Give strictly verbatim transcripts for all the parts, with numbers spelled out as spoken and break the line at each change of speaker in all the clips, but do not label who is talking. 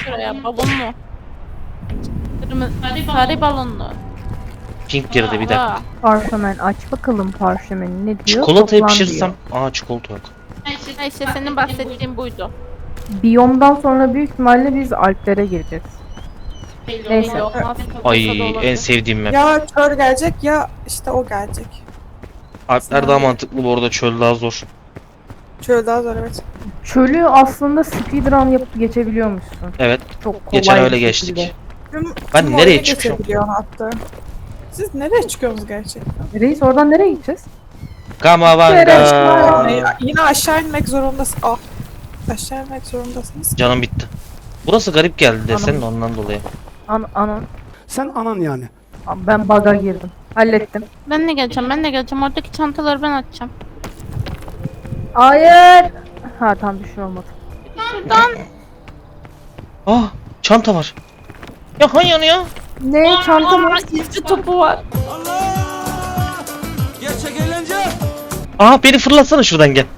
şuraya balonlu. Kırmızı sarı balonlu.
Pink girdi bir dakika.
Parşömen aç bakalım parşömeni ne diyor?
Çikolatayı
Toplan
pişirsem.
diyor.
Aa çikolata yok.
Ha işte senin bahsettiğin buydu.
Biyomdan sonra büyük ihtimalle biz Alplere gireceğiz. Neyse.
Belli olmaz.
Ay
Olsa da
en
olabilir.
sevdiğim map.
Ya kör gelecek ya işte o gelecek.
Alpler daha mantıklı bu arada, çöl daha zor.
Şöyle daha zor evet.
Çölü aslında speedrun yapıp geçebiliyormuşsun.
Evet.
Çok kolay
Geçen
bir
öyle
şekilde.
geçtik.
Tüm,
Ben
tüm
nereye
oyunu
çıkıyorum?
geçebiliyor hatta. Siz nereye çıkıyorsunuz gerçekten?
Reis oradan nereye gideceğiz?
Kamavanga.
Ay, yine aşağı inmek zorundasın. Ah. Aşağı inmek zorundasınız.
Canım bitti. Burası garip geldi desene ondan dolayı.
An anan.
Sen anan yani.
Ben bug'a girdim. Hallettim.
Ben de geleceğim, ben de geleceğim. Oradaki çantaları ben açacağım.
Hayır. Ha tam bir şey olmadı.
Şuradan.
Ah çanta var. Ya hayır ya.
Ne çanta mı?
İzci topu var.
Gerçek eğlence.
Aha beni fırlatsana şuradan gel.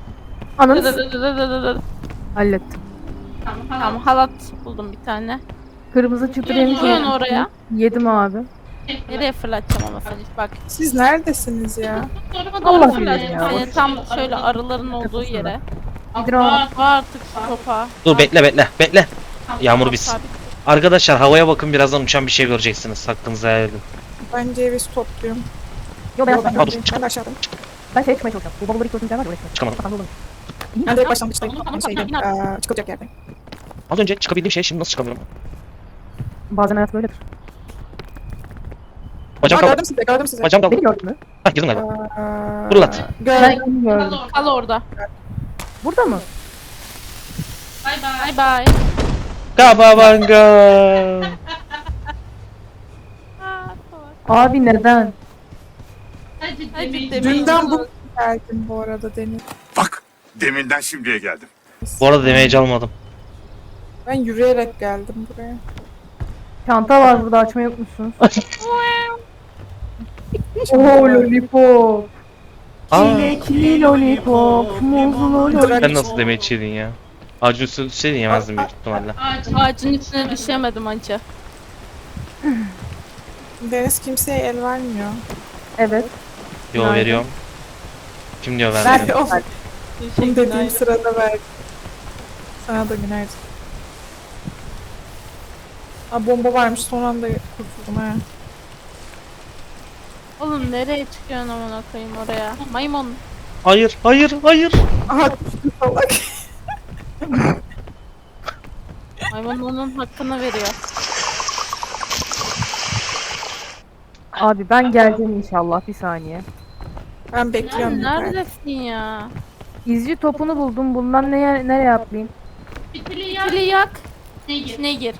Ananı hallettim.
Tamam, halat buldum bir tane.
Kırmızı çıtır yemiş.
Koyun oraya.
Yedim abi.
Nereye fırlatacağım ama sen hiç bak.
Siz neredesiniz ya?
Doğru
Allah
fırlatacağım.
bilir ya.
Yani tam şöyle arıların olduğu yere.
Speedrun.
Var artık şu topa.
Dur bekle bekle bekle. Yağmur
Tamam,
bitsin.
sabit.
Arkadaşlar havaya bakın, birazdan uçan bir şey göreceksiniz. Hakkınızı helal edin.
Ben ceviz topluyorum.
Yo ben
Yok, ben,
yapmadım.
Aa, dur, çık.
ben de aşağıdayım.
Ben şey çıkmaya çalışacağım. Bu babaları iki ötünce var ya oraya.
Çıkamadım.
Kafamda olur.
Ben direkt başlangıçtayım. Yani şeyde, eee, çıkılacak yerdeyim.
Az önce çıkabildiğim şey, şimdi nasıl çıkamıyorum?
Bazen hayat böyledir.
Bacağım
Aa,
kaldı.
gördüm sizi, gördüm sizi.
Bacağım kaldı.
Beni gördün mü?
Hah girdim galiba.
Eee,
Fırlat.
Gördüm.
Ben seni gördüm.
Kal orada.
Burada mı?
Bye bye.
Kamavanga.
Abi neden?
Hadi
Dünden bu geldim bu arada Deniz.
Bak, deminden şimdiye geldim.
Bu arada damage almadım.
Ben yürüyerek geldim buraya.
Çanta var burada, açmayı unutmuşsunuz. Oo lollipop.
Aa,
Çilekli lollipop. Muzlu lollipop.
sen nasıl damage yedin ya? Ağacın üstüne düşseydin yemezdim büyük ihtimalle.
Ağacın üstüne düşemedim anca.
Deniz kimseye el vermiyor.
Evet.
Yo
Nerede?
veriyorum. Kim diyor
Ver
vermiyor?
of. Bunu dediğim sırada ver. Sana da günaydın. Aa, bomba varmış son anda kurtuldum ha.
Oğlum nereye çıkıyorsun amına koyayım oraya? Maymun.
Hayır hayır hayır.
Aha düştü salak.
Maymun onun hakkını veriyor.
Abi ben geleceğim inşallah, bir saniye.
Ben bekliyorum.
Sen
yukarıda.
neredesin ya?
İzci topunu buldum. Bundan neye, nereye atlayayım?
Fili yak. İçine gir.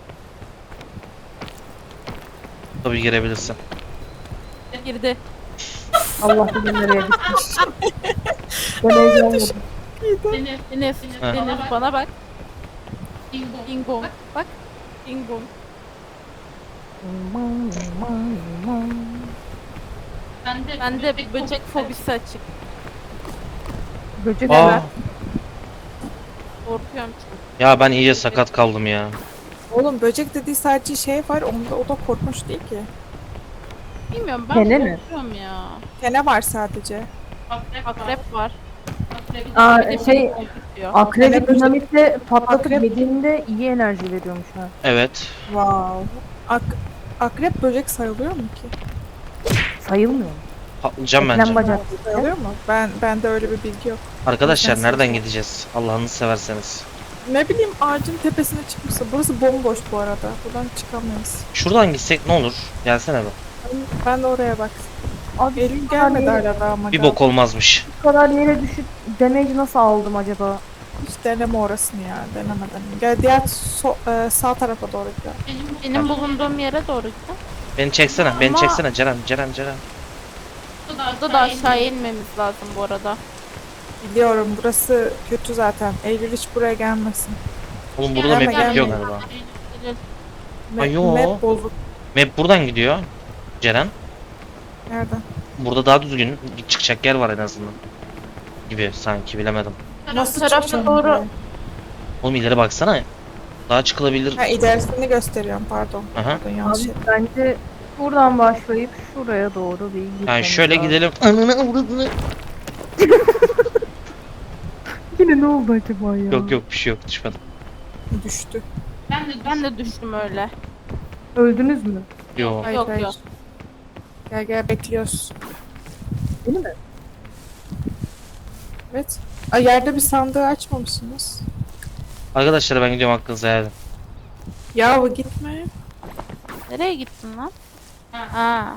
Tabii girebilirsin.
Girdi.
Allah bilir nereye gitmiş. Ben heyecanlıyım.
Deniz, Deniz,
Ha.
Deniz bana bak. Bingo. Bak. Bingo. Bende böcek fobisi açık.
Böcek
Aa,
hemen.
Korkuyorum.
ya ben iyice sakat kaldım ya.
Oğlum böcek dediği sadece şey var onda o da korkunç değil ki.
Bilmiyorum ben
Kene mi?
korkuyorum ya.
Kene var sadece.
Akrep var.
Aa,
Bir de
şey,
beni korkutuyor.
Akrebi dinamitle patlatıp
Akrep-
yediğinde iyi enerji veriyormuş ha.
Evet.
Wow. Ak akrep böcek sayılıyor mu ki?
Sayılmıyor mu?
Patlayacağım
Eklem
bence.
bacak.
Sayılıyor mu? Ben bende öyle bir bilgi yok.
Arkadaşlar
İmkansız.
nereden gideceğiz? Allah'ını severseniz.
Ne bileyim ağacın tepesine çıkmışsa. Burası bomboş bu arada. Buradan çıkamayız.
Şuradan gitsek ne olur? Gelsene be.
Ben, ben de oraya bak.
Abi
Elim
bu kadar
gelmedi
yere,
hala daha ama.
Bir bok olmazmış.
bu kadar yere düşüp damage nasıl aldım acaba?
Hiç deneme orasını ya. Denemeden. Gel diğer so- e, sağ tarafa doğru gidelim.
Benim, benim bulunduğum yere doğru gidin.
Beni çeksene, beni
Ama-
çeksene Ceren, Ceren, Ceren.
Burada da aşağıya inmemiz lazım bu arada.
Biliyorum burası kötü zaten. Eylül hiç buraya gelmesin.
Oğlum burada
Gelme,
map
gelme.
bitiyor galiba.
Ma-
Ay, yo.
Map bozuk.
Map buradan gidiyor. Ceren.
Nereden?
Burada daha düzgün çıkacak yer var en azından. Gibi sanki, bilemedim.
Nasıl
tarafa
çıkacağım
doğru-
buraya?
Oğlum ileri baksana. Daha çıkılabilir.
Ha ilerisini gösteriyorum pardon.
Aha.
Pardon yanlış
Abi
şey.
bence buradan başlayıp şuraya doğru bir gitmemiz
Yani şöyle
lazım.
gidelim. Ananı avradını.
Yine ne oldu acaba ya?
Yok yok bir şey yok düşmedim.
Düştü.
Ben de, ben de düştüm öyle.
Öldünüz mü?
Yok.
Hayır,
Yok,
hayır.
yok.
Gel gel bekliyoruz.
Değil mi?
Evet. Ay yerde bir sandığı açmamışsınız.
Arkadaşlar ben gidiyorum hakkınızı helal edin.
Yahu gitme.
Nereye gittin lan? Ha.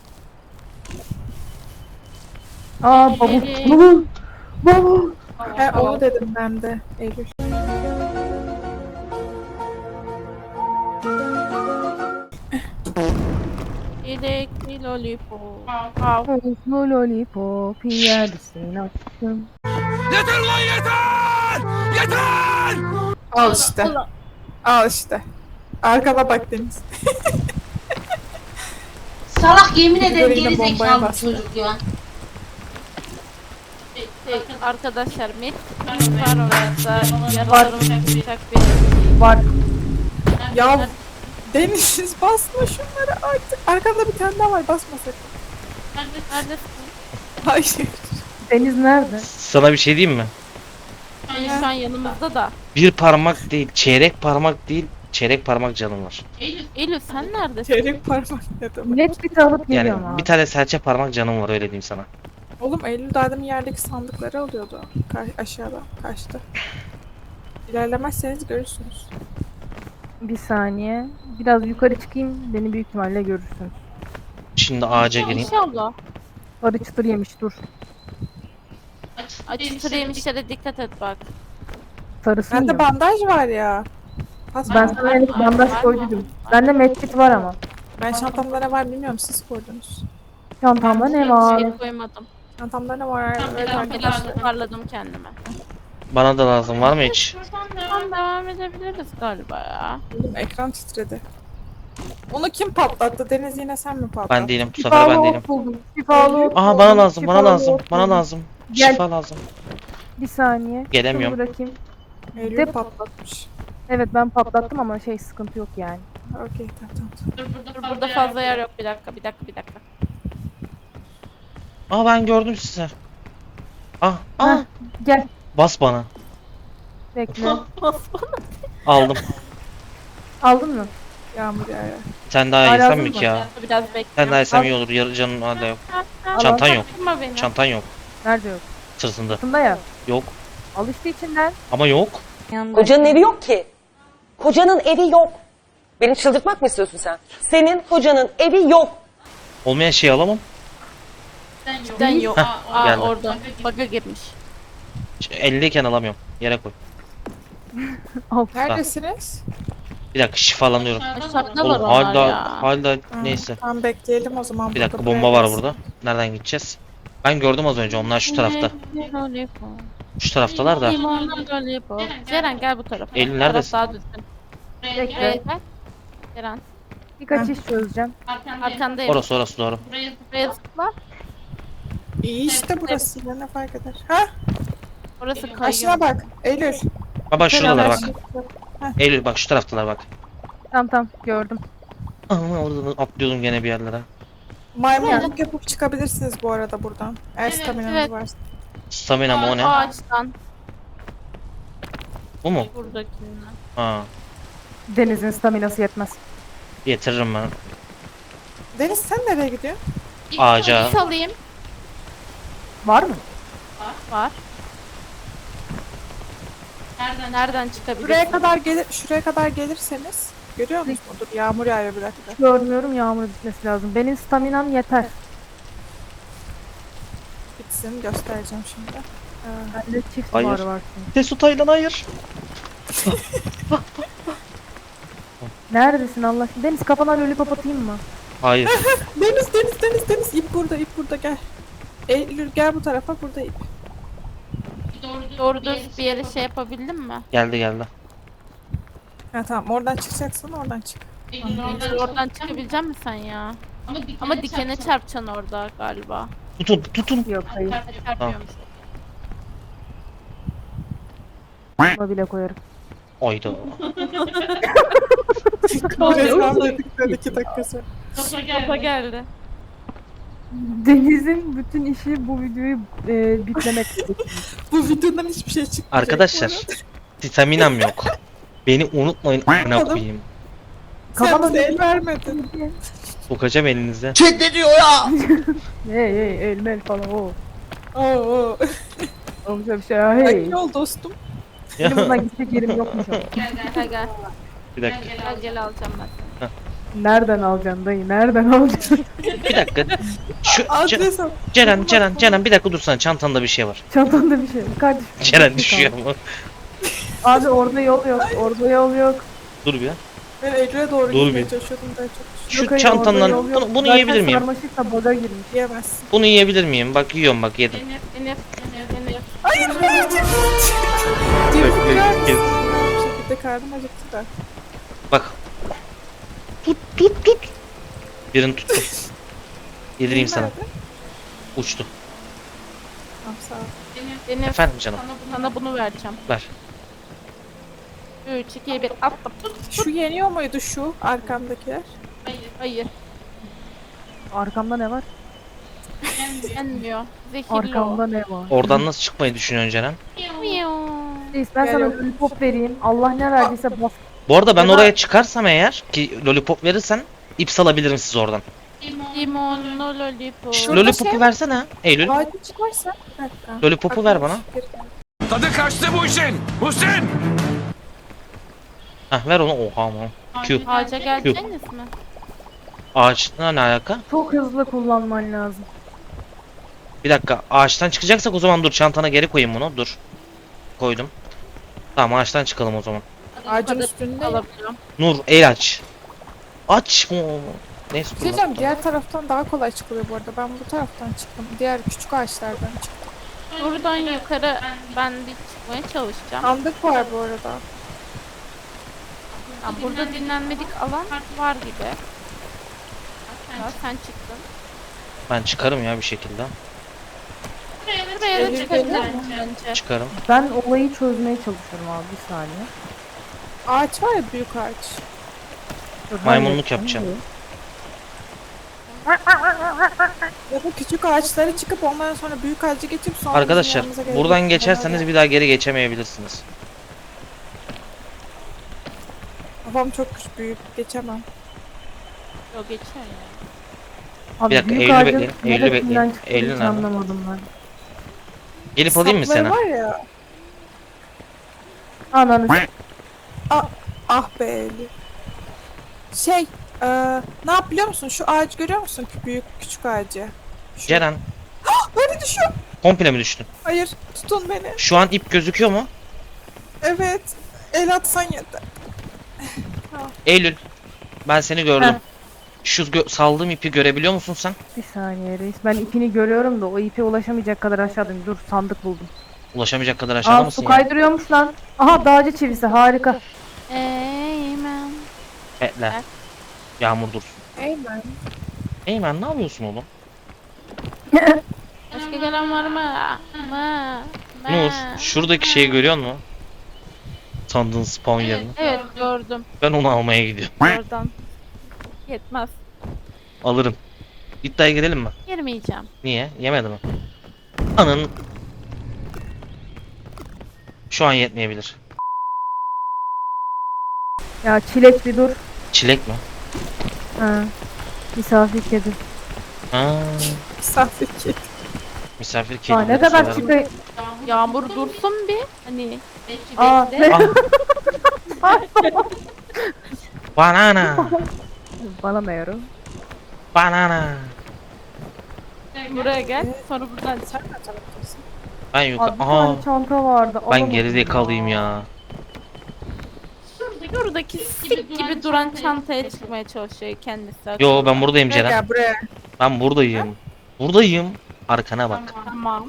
Aa bavul.
Ee,
Bavul. Bavul.
He onu dedim ben de. Eylül.
Yedekli lollipop. Wow.
Tavuklu lollipop yersin aşkım.
Yeter lan yeter! Yeter!
Al işte. Al işte. Arkana bak Deniz.
Salak yemin ederim
Yine
geri
bombaya
zekalı
bastı.
çocuk ya.
Şey, arkadaşlar met var orada. Yaralarım uçak bir.
Var.
Ya Deniz basma şunları artık. Arkanda bir tane daha var basma sakın.
Neredesin?
Hayır.
Deniz nerede?
Sana bir şey diyeyim mi?
Hani şu an yanımızda da.
Bir parmak değil, çeyrek parmak değil, çeyrek parmak canım var.
Eylül sen neredesin?
Çeyrek parmak ne demek?
Net bir alıp
Yani
geliyorum abi.
bir tane serçe parmak canım var öyle diyeyim sana.
Oğlum Eylül daha demin yerdeki sandıkları alıyordu. Ka- aşağıda. Kaçtı. İlerlemezseniz görürsünüz.
Bir saniye. Biraz yukarı çıkayım. Beni büyük ihtimalle görürsünüz.
Şimdi ağaca gireyim.
İnşallah.
Arı çıtır yemiş dur.
Açık yemişlere dikkat et bak.
Sarısını
Bende
yiyorum.
bandaj var ya. Pas
Ben sana henüz bandaj koydum. Bende medkit var ama.
Ben çantamda ne var bilmiyorum siz koydunuz.
Çantamda ne var?
Şey koymadım.
Çantamda ne var? Evet
Ben
arkadaşlar.
biraz toparladım kendime.
Bana da lazım var mı hiç?
Tamam devam edebiliriz galiba ya.
Oğlum ekran titredi. Onu kim patlattı? Deniz yine sen mi patlattın?
Ben değilim bu sefer ben
Şifalı
değilim.
ot buldum. Şifalı ot
Aha
buldum.
bana lazım bana
Şifalı
lazım
ot
bana
buldum.
lazım.
Gel.
Şifa lazım.
Bir saniye.
Gelemiyorum.
Şunu bırakayım.
Eylül
De-
patlatmış.
Evet ben patlattım ama şey sıkıntı yok yani.
Okey tamam tamam.
Dur burada fazla yer yok. Bir dakika bir dakika bir dakika.
Aa ben gördüm sizi. Ah ah
Heh. Gel.
bas bana.
Bekle.
Aldım.
Aldın mı?
Yağmur yağıyor.
Sen daha
Hala
yesem
lazım
mi
mı?
ki ya?
Biraz bekle.
Sen daha yesem
Al.
iyi olur. Yarı canın hala yok.
Al,
Çantan
al.
yok.
Bakma beni.
Çantan yok.
Nerede yok?
Sırtında.
Sırtında ya.
Yok.
Al işte içinden.
Ama yok.
Kocanın evi yok ki. Kocanın evi yok. Beni çıldırtmak mı istiyorsun sen? Senin kocanın evi yok.
Olmayan şeyi alamam.
Cidden yok.
Heh,
Aa
geldi.
orada. Bug'a girmiş.
Elliyken alamıyorum. Yere koy.
Neredesiniz?
Bir dakika şifalanıyorum.
Aşağıda var
Oğlum
onlar
hala
ya.
hala
Ha,
neyse.
Tamam bekleyelim o zaman.
Bir dakika
burada
bomba var
biraz.
burada. Nereden gideceğiz? Ben gördüm az önce onlar şu tarafta. Şu taraftalar da.
Limonlu lollipop. Ceren gel bu tarafa.
Eylül
Bu taraf
neredesin?
Daha düzgün.
Bekle.
Buraya gel. Ceren.
Birkaç iş çözeceğim.
Arkandayım.
Orası orası doğru.
Buraya zıpla.
İyi işte burası. Ya ne fark eder? Ha?
Orası
Aşına
kayıyor.
bak. Eylül.
Ha bak şuradalar bak.
Heh.
Eylül bak şu taraftalar bak.
Tamam tamam gördüm.
Aa, orada atlıyordum gene bir yerlere.
Maymunluk yapıp çıkabilirsiniz bu arada buradan. Eğer staminanız
evet.
varsa.
Stamina mı o ne?
Ağaçtan.
Bu mu?
Buradakinden.
Ha.
Deniz'in staminası yetmez.
Getiririm ben.
Deniz sen nereye gidiyorsun?
Ağaca.
İp alayım.
Var mı?
Var. Nereden, Nereden çıkabilirsin?
Şuraya kadar gelir, şuraya kadar gelirseniz görüyor musunuz? Dur yağmur yağıyor bir dakika.
Görmüyorum yağmur bitmesi lazım. Benim staminam yeter.
Bitsin göstereceğim şimdi. Ee,
Bende çift
Hayır.
var var çünkü.
Tesu Taylan hayır.
Neredesin Allah aşkına? Deniz kafana lollipop atayım mı?
Hayır.
Deniz Deniz Deniz Deniz ip burada ip burada gel. Eylül gel bu tarafa burada ip.
Doğru düz bir yere şey yapabildin mi?
Geldi geldi.
Ha tamam oradan çıkacaksın oradan çık.
Oradan çıkabilecek misin sen ya? Ama dikene çarpacaksın orada galiba.
Tutun tutun.
Yok hayır.
Çarpıyormuş.
Buna bile koyarım.
Oydu.
Resmen dedikleri iki dakika sonra.
Kafa geldi.
Deniz'in bütün işi bu videoyu e, bitlemek.
Bu videodan hiçbir şey çıkmayacak.
Arkadaşlar staminam yok. Beni unutmayın amına koyayım.
Sen
Kafama
bize el vermedin.
Sokacağım elinize.
Hey hey el mel falan o.
Oo.
Olacak bir şey ya hey.
Hey. Yol dostum.
Benim bundan gidecek yerim yokmuş ama.
Gel gel.
Bir dakika.
Gel gel alacağım ben.
Nereden alacaksın dayı? Nereden alacaksın?
Bir dakika. Şu Ce-
Adres al.
Ceren Ceren Ceren bir dakika dursana, çantanda bir şey var.
Çantanda bir şey yok. Kardeşim.
Ceren düşüyor ama.
Abi orada yol yok. Orada yol yok.
Dur bir ya.
Ben Eylül'e doğru
Dur
gitmeye
bir.
çalışıyordum da çok
Şu
Yok, hayır,
çantandan
orada yol yok.
bunu, bunu
Zaten
yiyebilir miyim?
sarmaşıkla baga girmiş.
yiyemezsin.
Bunu yiyebilir miyim? Bak yiyorum, bak yedim.
Enif, Enif, Enif, Enif.
Hayır hayır Cemil. Cemil birer misin? Bir şekilde karnım acıktı da.
Bak. Tut tut tut. Birini tuttum. Yedireyim sana.
Nerede?
Uçtu.
Tamam sağ ol.
Enif,
Efendim canım.
sana bunu vereceğim.
Ver.
üç, iki, bir, atla. Tut.
Şu yeniyor muydu şu arkamdakiler?
Hayır.
Arkamda ne var?
Yenmiyor. Zehirli
Arkamda ne var?
Oradan nasıl çıkmayı düşünüyorsun Ceren?
o. Miyav.
Reis ben
Gel
sana
yok.
lollipop vereyim. Allah ne verdiyse bas.
Bu arada ben
Ya da-
oraya çıkarsam eğer ki lollipop verirsen ip salabilirim siz oradan.
Limonlu lollipop.
Şurada
Lollipopu
şey-
versene Eylül.
Ağacı çıkarsa. Bir dakika.
Lollipopu ver bana.
Tadı kaçtı bu işin. Muhsin.
Heh ver onu. Oha ama. Q.
Ağaca geleceksiniz mi?
Ağaçla ne alaka?
Çok hızlı kullanman lazım.
Bir dakika. Ağaçtan çıkacaksak o zaman dur çantana geri koyayım bunu. Dur. Koydum. Tamam ağaçtan çıkalım o zaman.
Ağacın üstünde.
Alabiliyorum.
Nur el aç. Aç mı? Neyse.
Bir şey diyeceğim, diğer taraftan daha kolay çıkılıyor bu arada. Ben bu taraftan çıktım. Diğer küçük ağaçlardan çıktım.
Buradan yukarı ben bir çıkmaya çalışacağım.
Sandık var bu arada.
Ya burada dinlenmedik alan var gibi. Ya sen çıktın.
Ben çıkarım ya bir şekilde.
Buraya da
Gelir,
çıkabilirim
gelir.
bence.
Çıkarım.
Ben olayı çözmeye çalışıyorum abi bir saniye.
Ağaç var ya, büyük ağaç.
Dur,
Maymunluk
halledeceğim.
yapacağım.
Ya da küçük ağaçlara çıkıp ondan sonra büyük ağacı geçip sonra bizim
Arkadaşlar
yanımıza gelip-
buradan geçerseniz bir daha geri geçemeyebilirsiniz.
Kafam çok büyük, geçemem.
Yok geçer ya.
Abi
Bir dakika,
büyük
Eylül'ü
ağacın
bekleyin, Eylül'ü
neresinden
bekleyin.
çıktığını
Eylül
hiç
nerede?
anlamadım ben.
Gelip alayım mı
Sapları
seni?
var ya.
Ananı s-
Ah be Eli. Şey, eee ne yap biliyor musun? Şu ağaç görüyor musun? Kü- Büyük küçük ağacı. Şu.
Ceren
Böyle düşüyor.
komple mi düştün?
Hayır, tutun beni.
Şu an ip gözüküyor mu?
Evet. El atsan yeter.
Eylül ben seni gördüm.
Heh.
Şu gö- saldığım ipi görebiliyor musun sen?
Bir saniye reis. Ben ipini görüyorum da o ipe ulaşamayacak kadar aşağıdayım. Dur sandık buldum.
Ulaşamayacak kadar aşağıda
Aa
mısın
su
ya?
kaydırıyormuş lan. Aha dağcı çivisi harika.
Eymen.
Bekle. Yağmur dursun.
Eymen.
Eymen ne yapıyorsun oğlum?
Başka gelen var mı? Mı? Mı?
Nur şuradaki şeyi görüyor musun? Sandığın spawn yerini.
Evet gördüm.
Ben onu almaya gidiyorum.
Oradan. Yetmez.
Alırım. İddiaya girelim mi?
Girmeyeceğim.
Niye? Yemedi mi? Anın. Şu an yetmeyebilir.
Ya çilek bir dur.
Çilek mi?
Ha. Misafir kedi.
Ha,
Misafir ki.
misafir kedi.
Aa ne kadar çıkıyor.
Yağmur dursun bir. Hani.
Aa
bekle.
ne?
Ah. Banana.
Bana ne yarım?
Banana.
Buraya gel. Sonra buradan çık.
Sen ne taraftasın?
Ben
Abi
yukarı.
bir
Aha.
tane çanta vardı.
Ben
alamadım
gerizekalıyım ya.
Şuradaki sik gibi duran çantaya çıkmaya çalışıyor kendisi.
Yo ben buradayım
Buraya
Ceren.
gel buraya.
Ben buradayım. Buradayım. Arkana bak.
Tamam.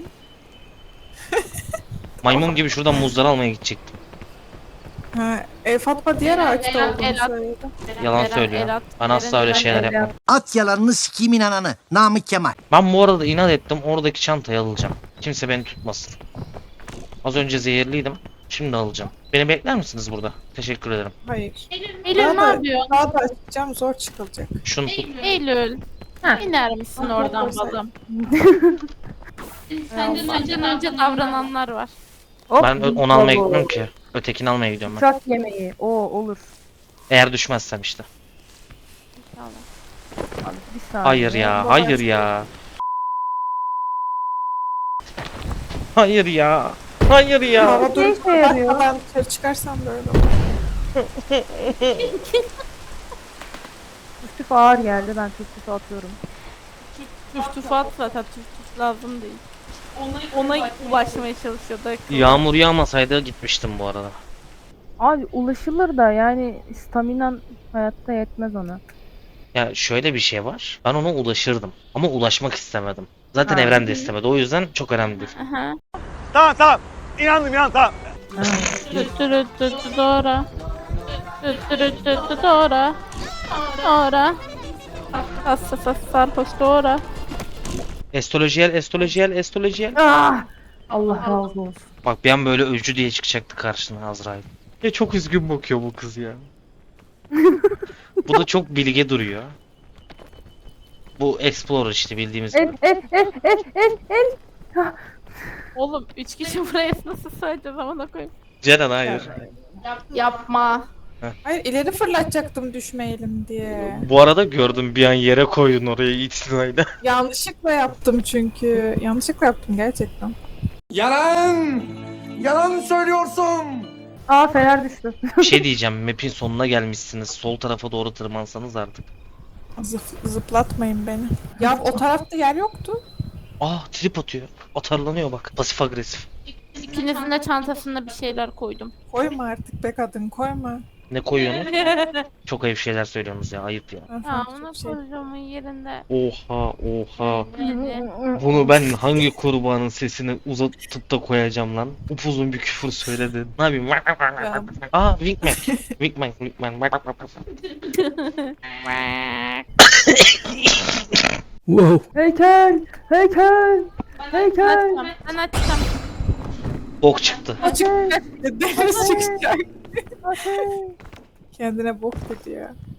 Maymun gibi şuradan muzları almaya gidecektim.
Ha, e, Fatma diğer ağaçta
el-
olduğunu
el at.
söyledi.
Yalan
Eren,
söylüyor.
el at.
Ben asla
Eren,
öyle
Eren,
şeyler
Eren.
yapmam.
At yalanını sikiyim inananı. Namık Kemal.
Ben bu arada inat ettim. Oradaki çantayı alacağım. Kimse beni tutmasın. Az önce zehirliydim. Şimdi alacağım. Beni bekler misiniz burada? Teşekkür ederim.
Hayır.
Eylül
Daha
ne
da,
yapıyor?
daha da açacağım zor çıkılacak.
Şunu tut.
Eylül.
Ha.
İner misin
Ha,
oradan
olsaydı.
balım?
Senden
Senden önce davrananlar var.
Hop,
Ben ö- onu almaya
bravo.
gitmiyorum ki. Ötekini almaya gidiyorum ben.
Uçak yemeği. O olur.
Eğer düşmezsem işte.
Abi, bir saniye.
Hayır ya, hayır ya. Hayır ya. Hayır ya.
Hava
Ne
durup
işe yarıyor?
kapatmadan dışarı çıkarsam böyle olur.
Üstü ağır geldi. Ben tüftüfü atıyorum.
Tüf tüf at zaten tüf tüf lazım değil. Ona ulaşmaya çalışıyordu.
Yağmur yağmasaydı gitmiştim bu arada.
Abi ulaşılır da yani staminan hayatta yetmez ona.
Ya şöyle bir şey var. Ben ona ulaşırdım. Ama ulaşmak istemedim. Zaten
Ha.
evren de istemedi. O yüzden çok önemli değil.
Aha.
Tamam tamam. İnandım inan tamam.
Ha.
Tütürü tütü doğra. Tütürü tütü doğra. Doğra. Sassa sassa sarhoş doğra.
Estolojiyel, estolojiyel, estolojiyel.
Ah! Allah razı olsun.
Bak bir an böyle öcü diye çıkacaktı karşına Azrail. Ya çok üzgün bakıyor bu kız ya. Bu da çok bilge duruyor. Bu Explorer işte bildiğimiz
El
gibi.
el el el el el.
Oğlum üç kişi buraya nasıl sığacağız amına koyayım.
Ceren hayır.
Yapma.
Hayır ileri fırlatacaktım düşmeyelim diye.
Bu arada gördüm bir an yere koydun oraya itinayla.
Yanlışlıkla yaptım çünkü. Yanlışlıkla yaptım gerçekten.
Yalan! Yalan söylüyorsun!
Aa fener düştü.
Bir şey diyeceğim. Map'in sonuna gelmişsiniz. Sol tarafa doğru tırmansanız artık.
Zıp- zıplatmayın beni. Ya o tarafta yer yoktu.
Aa trip atıyor. Atarlanıyor bak. Pasif agresif.
İkinizin de çantasına bir şeyler koydum.
Koyma artık be kadın koyma.
Ne koyuyorsunuz? Çok ayıp şeyler söylüyorsunuz ya. Ayıp ya.
Ben
Ya
sana
amına
çok şey-
koyacağımın yerinde.
Oha oha.
Neydi?
Bunu ben hangi kurbanın sesini uzatıp da koyacağım lan? Upuzun bir küfür söyledin. Ne yapayım?
Ya.
Aa Wingman. Wingman. Wingman.
Heykel! Heykel!
Ben
Heykel!
açacağım. Ben açacağım.
Bok çıktı.
Açık. Deniz çıkacak.
Heykel!
Kendine bok dedi ya.